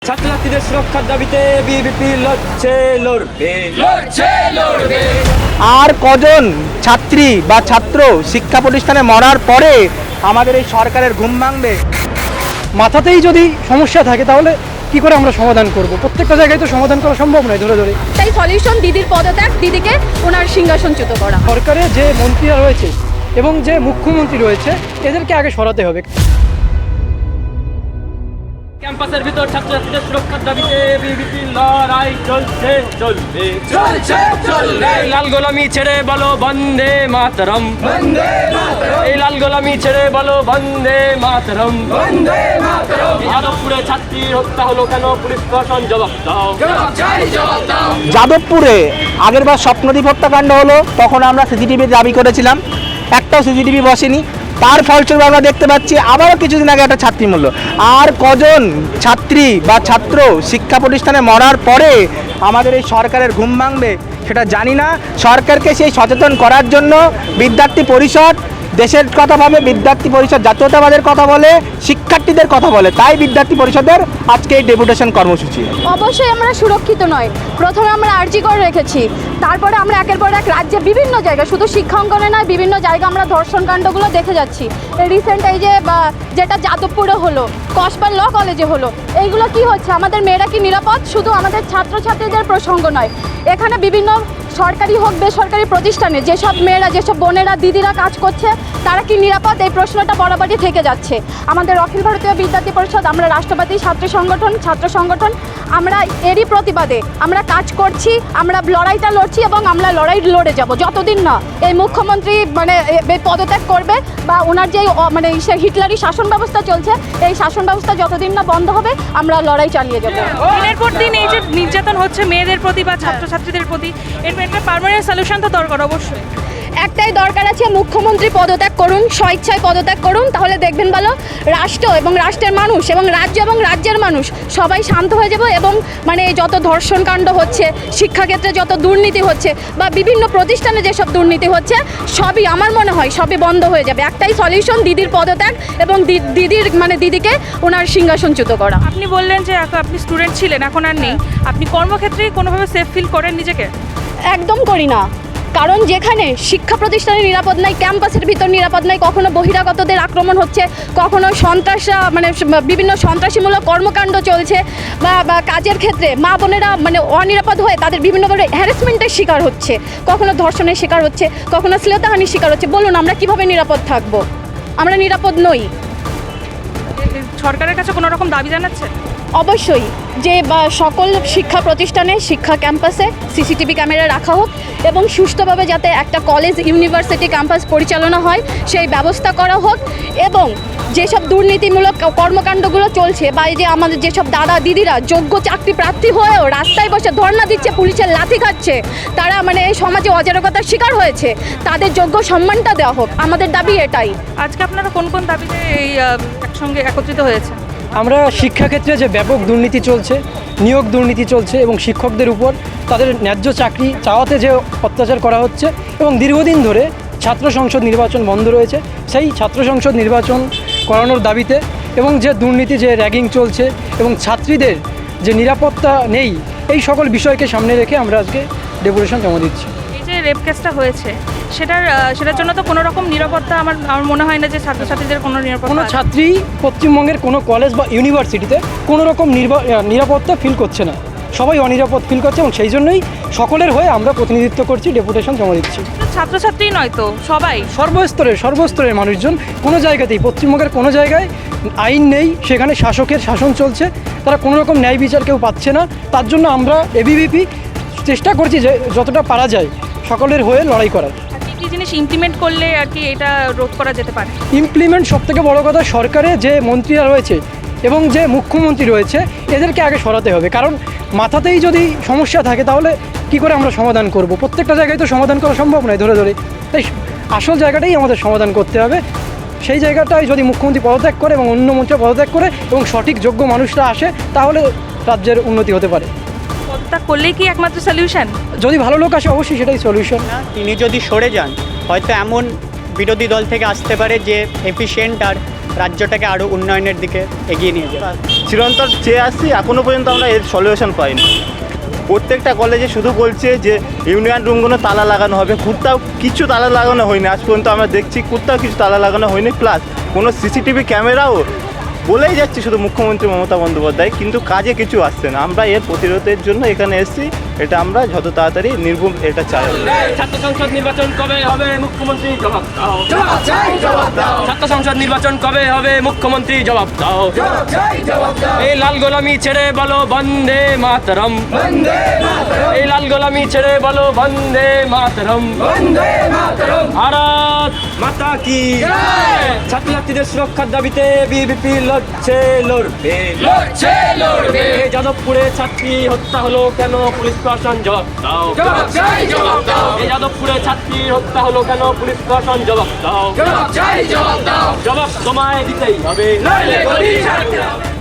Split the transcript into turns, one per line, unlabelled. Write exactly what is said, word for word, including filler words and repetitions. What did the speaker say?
ছাত্রছাত্রীদের সুরক্ষার দাবিতে বিবিপি লড়ছে লড়বে লড়ছে লড়বে।
আর কজন ছাত্রী বা ছাত্র শিক্ষা প্রতিষ্ঠানে মরার পরে আমাদের এই সরকারের ঘুম ভাঙবে?
মাথাতেই যদি সমস্যা থাকে তাহলে কি করে আমরা সমাধান করব? প্রত্যেকটা জায়গায় তো সমাধান করা সম্ভব নয় ধরে ধরে।
তাই সলিউশন দিদির পদত্যাগ, দিদিকে ওনার সিংহাসনচ্যুত করা।
সরকারে যে মন্ত্রীরা রয়েছে এবং যে মুখ্যমন্ত্রী রয়েছে এদেরকে আগে সরাতে হবে।
ক্যাম্পাসের ভিতর ছাত্রছাত্রীদের সুরক্ষার দাবিতে বিবিপি লড়াই চলছে চলবে চলছে চলবে। লাল গোলামি ছেড়ে বলো বন্দে মাতরম বন্দে মাতরম। এই লাল গোলামি ছেড়ে বলো বন্দে মাতরম বন্দে মাতরম। যাদবপুরে ছাত্রী হত্যা হলো কেন? পুলিশ প্রশাসন জবাব দাও জবাব চাই জবাব দাও।
যাদবপুরে আগেরবার স্বপ্নদ্বীপ হত্যাকাণ্ড হলো, তখন আমরা সিসিটিভির দাবি করেছিলাম, একটাও সিসিটিভি বসেনি। তার ফলস্বরূপ আমরা দেখতে পাচ্ছি আবারও কিছুদিন আগে একটা ছাত্রী মূল্য। আর কজন ছাত্রী বা ছাত্র শিক্ষা প্রতিষ্ঠানে মরার পরে আমাদের এই সরকারের ঘুম ভাঙবে সেটা জানি না। সরকারকে সেই সচেতন করার জন্য বিদ্যার্থী পরিষদ দেশের কথা ভাবে, বিদ্যার্থী পরিষদ জাতীয়তাবাদের কথা বলে, শিক্ষার্থীদের কথা বলে। তাই বিদ্যার্থী পরিষদের আজকে এই ডেপুটেশন কর্মসূচি।
অবশ্যই আমরা সুরক্ষিত নয়। প্রথমে আমরা আর্জি করে রেখেছি, তারপরে আমরা একের পর এক রাজ্যে বিভিন্ন জায়গায়, শুধু শিক্ষাঙ্গনে নয়, বিভিন্ন জায়গায় আমরা ধর্ষণ কাণ্ডগুলো দেখে যাচ্ছি। রিসেন্ট এই যে বা যেটা যাদবপুরে হলো, কসবা ল কলেজে হলো, এইগুলো কি হচ্ছে? আমাদের মেয়েরা কি নিরাপদ? শুধু আমাদের ছাত্রছাত্রীদের প্রসঙ্গ নয়, এখানে বিভিন্ন সরকারি হোক বেসরকারি প্রতিষ্ঠানে যেসব মেয়েরা, যেসব বোনেরা, দিদিরা কাজ করছে, তারা কি নিরাপদ? এই প্রশ্নটা বরাবরই থেকে যাচ্ছে। আমাদের অখিল ভারতীয় বিদ্যার্থী পরিষদ, আমরা রাষ্ট্রবাদী ছাত্র সংগঠন, ছাত্র সংগঠন, আমরা এরই প্রতিবাদে আমরা কাজ করছি, আমরা লড়াইটা লড়ছি এবং আমরা লড়াই লড়ে যাব যতদিন না এই মুখ্যমন্ত্রী মানে পদত্যাগ করবে বা ওনার যে মানে হিটলারি শাসন ব্যবস্থা চলছে, এই শাসন ব্যবস্থা যতদিন না বন্ধ হবে আমরা লড়াই চালিয়ে যাব।
দিনের পর দিন এই যে নির্যাতন হচ্ছে মেয়েদের প্রতি বা ছাত্রছাত্রীদের প্রতি, এর একটা পার্মানেন্ট সলিউশন তো দরকার অবশ্যই।
একটাই দরকার আছে, মুখ্যমন্ত্রী পদত্যাগ করুন, স্বেচ্ছায় পদত্যাগ করুন, তাহলে দেখবেন ভালো রাষ্ট্র এবং রাষ্ট্রের মানুষ এবং রাজ্য এবং রাজ্যের মানুষ সবাই শান্ত হয়ে যাবে এবং মানে যত ধর্ষণ কাণ্ড হচ্ছে, শিক্ষাক্ষেত্রে যত দুর্নীতি হচ্ছে বা বিভিন্ন প্রতিষ্ঠানে যেসব দুর্নীতি হচ্ছে, সবই আমার মনে হয় সবই বন্ধ হয়ে যাবে। একটাই সলিউশন, দিদির পদত্যাগ এবং দিদির মানে দিদিকে ওনার সিংহাসনচ্যুত করা।
আপনি বললেন যে আপনি স্টুডেন্ট ছিলেন, এখন আর নেই, আপনি কর্মক্ষেত্রে কোনোভাবে সেফ ফিল করেন নিজেকে?
একদম করি না, কারণ যেখানে শিক্ষা প্রতিষ্ঠানে নিরাপদ নাই, ক্যাম্পাসের ভিতর নিরাপদ নাই, কখনো বহিরাগতদের আক্রমণ হচ্ছে, কখনো সন্ত্রাসরা মানে বিভিন্ন সন্ত্রাসীমূলক কর্মকাণ্ড চলছে বা বা কাজের ক্ষেত্রে মা বোনেরা মানে অনিরাপদ হয়ে তাদের বিভিন্নভাবে হ্যারাসমেন্টের শিকার হচ্ছে, কখনো ধর্ষণের শিকার হচ্ছে, কখনো শ্লীলতাহানির শিকার হচ্ছে। বলুন আমরা কিভাবে নিরাপদ থাকবো? আমরা নিরাপদ নই।
সরকারের কাছে কোনো রকম দাবি জানাচ্ছে?
অবশ্যই যে বা সকল শিক্ষা প্রতিষ্ঠানে, শিক্ষা ক্যাম্পাসে সিসিটিভি ক্যামেরা রাখা হোক এবং সুষ্ঠুভাবে যাতে একটা কলেজ, ইউনিভার্সিটি ক্যাম্পাস পরিচালনা হয় সেই ব্যবস্থা করা হোক। এবং যেসব দুর্নীতিমূলক কর্মকাণ্ডগুলো চলছে বা এই যে আমাদের যেসব দাদা দিদিরা যোগ্য চাকরি প্রার্থী হয়েও রাস্তায় বসে ধর্ণা দিচ্ছে, পুলিশের লাথি খাচ্ছে, তারা মানে এই সমাজে অরাজকতার শিকার হয়েছে, তাদের যোগ্য সম্মানটা দেওয়া হোক। আমাদের দাবি এটাই।
আজকে আপনারা কোন কোন দাবিতে এই একসঙ্গে একত্রিত হয়েছে?
আমরা শিক্ষাক্ষেত্রে যে ব্যাপক দুর্নীতি চলছে, নিয়োগ দুর্নীতি চলছে এবং শিক্ষকদের উপর তাদের ন্যায্য চাকরি চাওয়াতে যে অত্যাচার করা হচ্ছে এবং দীর্ঘদিন ধরে ছাত্র সংসদ নির্বাচন বন্ধ রয়েছে, সেই ছাত্র সংসদ নির্বাচন করানোর দাবিতে এবং যে দুর্নীতি, যে র্যাগিং চলছে এবং ছাত্রীদের যে নিরাপত্তা নেই, এই সকল বিষয়কে সামনে রেখে আমরা আজকে ডেপুটেশন জমা দিচ্ছি।
এই যে রেপ কেসটা হয়েছে সেটার সেটার জন্য তো কোনো রকম নিরাপত্তা আমার আমার মনে হয় না যে ছাত্রছাত্রীদের কোনো নিরাপত্তা,
কোনো ছাত্রী পশ্চিমবঙ্গের কোনো কলেজ বা ইউনিভার্সিটিতে কোনো রকম নিরাপত্তা ফিল করছে না, সবাই অনিরাপদ ফিল করছে এবং সেই জন্যই সকলের হয়ে আমরা প্রতিনিধিত্ব করছি, ডেপুটেশন জমা দিচ্ছি।
ছাত্রছাত্রী নয় তো সবাই,
সর্বস্তরের সর্বস্তরের মানুষজন, কোনো জায়গাতেই পশ্চিমবঙ্গের কোনো জায়গায় আইন নেই, সেখানে শাসকের শাসন চলছে, তারা কোনো রকম ন্যায় বিচার কেউ পাচ্ছে না। তার জন্য আমরা এবিভিপি চেষ্টা করছি যে যতটা পারা যায় সকলের হয়ে লড়াই করার।
কি জিনিস ইমপ্লিমেন্ট করলে আর কি এটা রোধ করা যেতে পারে?
ইমপ্লিমেন্ট সবথেকে বড় কথা, সরকারে যে মন্ত্রীরা রয়েছে এবং যে মুখ্যমন্ত্রী রয়েছে এদেরকে আগে সরাতে হবে। কারণ মাথাতেই যদি সমস্যা থাকে তাহলে কি করে আমরা সমাধান করব? প্রত্যেকটা জায়গায় তো সমাধান করা সম্ভব নয় ধরে ধরে। তাই আসল জায়গাটাই আমাদের সমাধান করতে হবে। সেই জায়গাটায় যদি মুখ্যমন্ত্রী পদত্যাগ করে এবং অন্য মন্ত্রী পদত্যাগ করে এবং সঠিক যোগ্য মানুষরা আসে তাহলে রাজ্যের উন্নতি হতে পারে।
পদত্যাগ করলেই কি একমাত্র সলিউশন?
যদি ভালো লোক আসে অবশ্যই সেটাই সলিউশন।
তিনি যদি সরে যান হয়তো এমন বিরোধী দল থেকে আসতে পারে যে এফিশিয়েন্ট আর রাজ্যটাকে আরও উন্নয়নের দিকে এগিয়ে নিয়ে যাবে।
চিরন্তর চেয়ে আসছি, এখনও পর্যন্ত আমরা এর সলিউশন পাইনি। প্রত্যেকটা কলেজে শুধু বলছে যে ইউনিয়ন রুমগুলো তালা লাগানো হবে, কোথাও কিছু তালা লাগানো হয়নি আজ পর্যন্ত। আমরা দেখছি কোথাও কিছু তালা লাগানো হয়নি, প্লাস কোনো সিসিটিভি ক্যামেরাও বলেই যাচ্ছে শুধু মুখ্যমন্ত্রী মমতা বন্দ্যোপাধ্যায়, কিন্তু কাজে কিছু আসছে না। আমরা এর প্রতিরোধের জন্য এখানে এসেছি, এটা আমরা যত তাড়াতাড়ি নির্মূল এটা চাই।
ছাত্র সংসদ নির্বাচন কবে হবে মুখ্যমন্ত্রী জবাব দাও। ছাত্র সংসদ নির্বাচন কবে হবে মুখ্যমন্ত্রী জবাব দাও। এই লাল গোলামি ছেড়ে বলো বন্দে মাতরম। এই লাল গোলামি ছেড়ে বলো বন্দে মাতরম। ভারত মাতা কি ছাত্রছাত্রীদের সুরক্ষার দাবিতে বিবিপি লড়ছে লড়বে লড়ছে লড়বে। যাদবপুরে ছাত্রী হত্যা হলো কেন পুলিশ প্রশাসন জবাব দাও। এই যাদবপুরে ছাত্রী হত্যা হলো কেন পুলিশ প্রশাসন জবাব দাও। জবাব তোমায় দিতেই হবে।